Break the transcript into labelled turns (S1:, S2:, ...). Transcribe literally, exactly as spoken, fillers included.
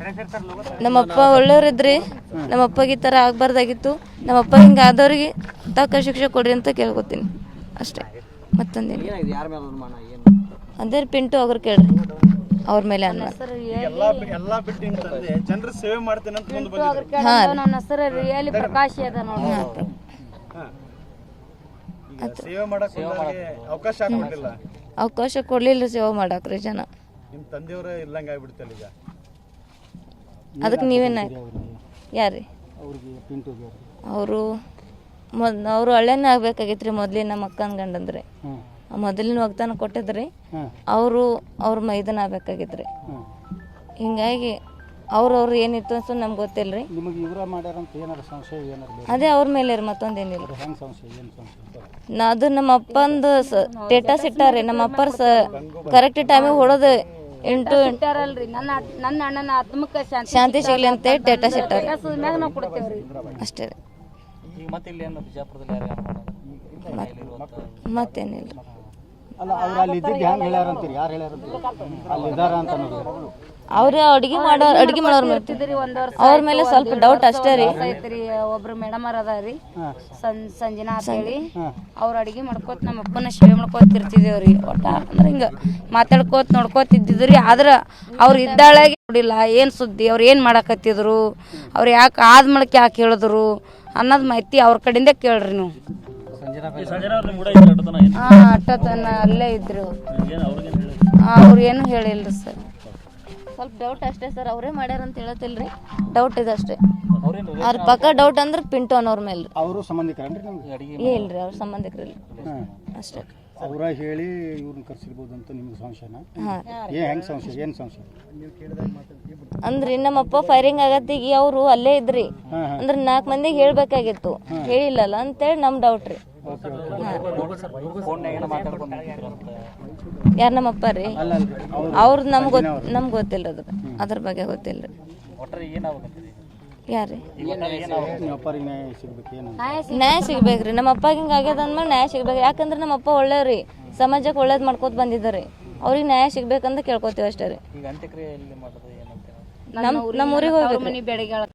S1: ನಮ್ಮಪ್ಪ ಒಳ್ಳೆಯವ್ರಿದ್ರಿ, ನಮ್ಮಪ್ಪಗೆ ಈ ಥರ ಆಗಬಾರ್ದಾಗಿತ್ತು. ನಮ್ಮಪ್ಪ ಹಿಂಗೆ ಆದವ್ರಿಗೆ ತಕ್ಕ ಶಿಕ್ಷೆ ಕೊಡ್ರಿ ಅಂತ ಕೇಳ್ಕೊತೀನಿ ಅಷ್ಟೇ, ಮತ್ತೊಂದೇನು. ಅದೇ ಪಿಂಟು ಅವ್ರು ಕೇಳ್ರಿ, ಅವ್ರ ಮೇಲೆ ಅನ್ನ.
S2: ನನ್ನ ಹೆಸರು ರಿಯಲಿ ಪ್ರಕಾಶ್ ಅದ ನೋಡಿ.
S1: ಅವಕಾಶ ಕೊಡ್ಲಿಲ್ಲ ಸೇವೆ ಮಾಡಾಕ್ರಿ ಜನ. ಅದಕ್ಕೆ ನೀವೇನ ಯಾರ್ರಿ ಅವರು ಮೊದ್ ಅವರು ಹಳ್ಳೆನೇ ಆಗ್ಬೇಕಾಗಿತ್ರಿ. ಮೊದ್ಲಿನ ನಮ್ಮ ಅಕ್ಕನ ಗಂಡಂದ್ರಿ ಮೊದಲಿನ ವಾಗ್ದಾನ ಕೊಟ್ಟಿದ್ರಿ, ಅವರು ಅವ್ರ ಮೈದನ ಆಗ್ಬೇಕಾಗಿದ್ರಿ. ಹಿಂಗಾಗಿ ಅವ್ರವ್ರು ಏನಿತ್ತು ಅಂತ ನಮ್ಗೆ ಗೊತ್ತಿಲ್ರಿ. ಅದೇ ಅವ್ರ ಮೇಲೆ ರೀ, ಮತ್ತೊಂದೇನಿಲ್ಲ. ಅದು ನಮ್ಮ ಅಪ್ಪಂದು ಸ್ಟೇಟಸ್ ಇಟ್ಟಾರಿ, ನಮ್ಮ ಅಪ್ಪರ ಸ ಕರೆಕ್ಟ್ ಟೈಮಿಗೆ ಹೊಡೋದು ಎಂಟು
S2: ನನ್ನ ನನ್ನ ಅಣ್ಣನ ಆತ್ಮಕ್ಕೆ
S1: ಶಾಂತಿ ಸಿಗ್ಲಿ ಅಂತ ಸ್ಟೇಟಸ್ ಇಟ್ಟಾರಿ
S2: ನಾವು ಕೊಡ್ತೇವ್ರಿ
S1: ಅಷ್ಟೇ ರೀ. ಮತ್ತೇನಿಲ್ಲ. ಅವ್ರ ಅಡ್ಗೆ ಮಾಡೋ ಅಡ್ಗೆ ಮಾಡೋರ್ ಅವ್ರ ಮೇಲೆ ಸ್ವಲ್ಪ ಡೌಟ್ ಅಷ್ಟೇ ರೀ.
S2: ಒಬ್ರು ಮೇಡಮ್ ಅವ್ರ ಅದಾರಿ ಸಂಜನಾ ಅಂತ ಹೇಳಿ, ಅವ್ರ ಅಡ್ಗೆ ಮಾಡ್ಕೋತ ನಮ್ಮ ಅಪ್ಪನ ಸೇವೆ ಮಾಡ್ಕೋತಿರ್ತಿದೇವ್ರಿ. ಒಟ್ಟ ಅಂದ್ರೆ ಹಿಂಗ ಮಾತಾಡ್ಕೋತ ನೋಡ್ಕೋತಿದ್ದಿದ್ರಿ. ಆದ್ರ ಅವ್ರು ಇದ್ದಾಳಾಗಿ ನೋಡಿಲ್ಲ ಏನ್ ಸುದ್ದಿ, ಅವ್ರು ಏನ್ ಮಾಡಾಕತ್ತಿದ್ರು, ಅವ್ರು ಯಾಕೆ ಆದ್ಮೇಳಕ್ ಯಾಕೆ ಹೇಳಿದ್ರು ಅನ್ನೋದ್ ಮಾಹಿತಿ ಅವ್ರ ಕಡೆಯಿಂದ ಕೇಳ್ರಿ ನೀವು. ಹಾ ಅಟ್ಟತನ ಅಲ್ಲೇ ಇದ್ರು, ಅವ್ರು ಏನು ಹೇಳಿಲ್ರಿ ಸರ್. ಸ್ವಲ್ಪ ಡೌಟ್ ಅಷ್ಟೇ ಸರ್, ಅವರೇ ಮಾಡ್ಯಾರ ಅಂತ ಹೇಳತ್ತಿಲ್ರಿ, ಡೌಟ್ ಇದೆ ಅಷ್ಟೇ. ಅವ್ರ ಪಕ್ಕ ಡೌಟ್ ಅಂದ್ರೆ ಪಿಂಟು ಅನ್ನೋರ್ ಮೇಲೆ.
S3: ಅವರು ಸಂಬಂಧಿಕರನ್ರಿ
S1: ಇಲ್ರಿ, ಅವ್ರ ಸಂಬಂಧಿಕರಲ್ಲಿ ಅಷ್ಟೇ.
S3: ಅವರ ಹೇಳಿ ಇವ್ರನ್ನ ಕರ್ಸಿರ್ಬೋದು ಅಂತ ನಿಮ್ಗೆ ಸಂಶಯನ? ಏ ಹೆಂಗ್ ಸಂಶಯ, ಏನ್ ಸಂಶಯ
S1: ಅಂದ್ರಿ ನಮ್ಮಪ್ಪ ಫೈರಿಂಗ್ ಆಗತ್ತಿಗೆ ಅವರು ಅಲ್ಲೇ ಇದ್ರಿ, ಅಂದ್ರೆ ನಾಲ್ಕು ಮಂದಿಗೆ ಹೇಳ್ಬೇಕಾಗಿತ್ತು, ಹೇಳಿಲ್ಲಲ್ಲ ಅಂತೇಳಿ ನಮ್ ಡೌಟ್ ರೀ. ಯಾರ ನಮ್ಮಪ್ಪ ರೀ, ಅವ್ರದ್ದು ನಮ್ಗೆ ಗೊತ್ತ ನಮ್ಗೆ ಗೊತ್ತಿಲ್ಲ ಅದ್ರ ಅದ್ರ ಬಗ್ಗೆ ಗೊತ್ತಿಲ್ರಿ. ಯಾರ್ರಿ ನ್ಯಾಯ ಸಿಗ್ಬೇಕ್ರಿ. ನಮ್ಮ ಅಪ್ಪಗೆ ಹಿಂಗ ಆಗ್ಯದ ಅಂದ್ಮೇಲೆ ನ್ಯಾಯ ಸಿಗ್ಬೇಕು. ಯಾಕಂದ್ರೆ ನಮ್ಮ ಅಪ್ಪ ಒಳ್ಳೆಯವ್ರಿ, ಸಮಾಜಕ್ಕೆ ಒಳ್ಳೇದ್ ಮಾಡ್ಕೋತ ಬಂದಿದ್ದಾರೆ. ಅವ್ರಿಗೆ ನ್ಯಾಯ ಸಿಗ್ಬೇಕಂತ ಕೇಳ್ಕೊತೀವಿ ಅಷ್ಟೇ ರೀ. ನಮ್ಮ ನಮ್ಮ ಊರಿಗೆ ಹೋಗ್ಬೇಕು.